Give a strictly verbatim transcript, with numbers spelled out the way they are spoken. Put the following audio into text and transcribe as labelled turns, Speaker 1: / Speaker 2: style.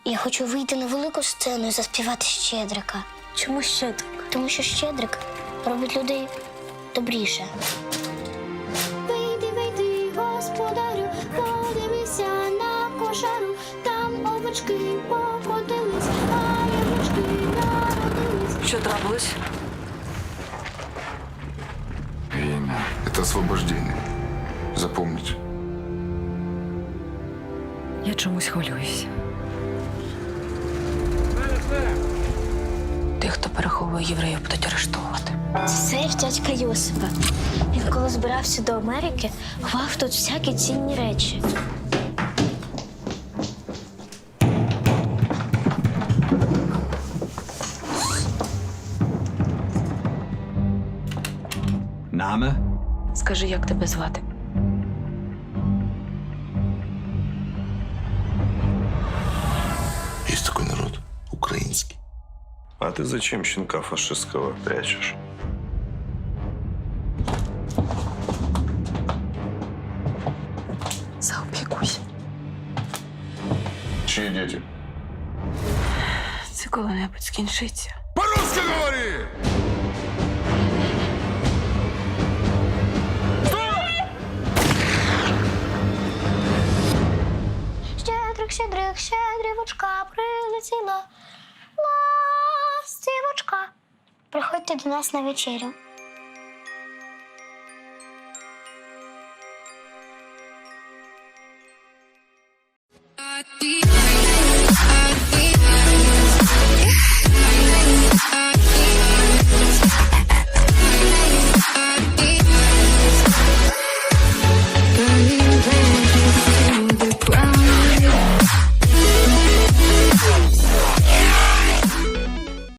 Speaker 1: Я хочу вийти на велику сцену і заспівати Щедрика.
Speaker 2: Чому Щедрик?
Speaker 1: Тому що Щедрик робить людей добріше. Вийди, вийди, господарю, подивися на кошару. Там овочки покотились, а ягочки народились.
Speaker 2: Що трапилось?
Speaker 3: Время – это освобождение. Запомните.
Speaker 2: Я чомусь хвилююсь. Тих, хто переховує євреїв, будуть арештовувати.
Speaker 1: Це сейф дядька Йосипа. Він коли збирався до Америки, ховав тут всякі цінні речі.
Speaker 4: Name?
Speaker 2: Скажи, як тебе звати?
Speaker 5: Есть такой народ, украинский.
Speaker 6: А ты зачем щенка фашистского прячешь?
Speaker 2: Заопікуйся.
Speaker 3: Чьи дети?
Speaker 2: Це коли-небудь скінчиться.
Speaker 3: По-русски говори!
Speaker 1: Щедрик, щедрик, щедрівочка прилетіла. Ластівочка. Приходьте до нас на вечерю.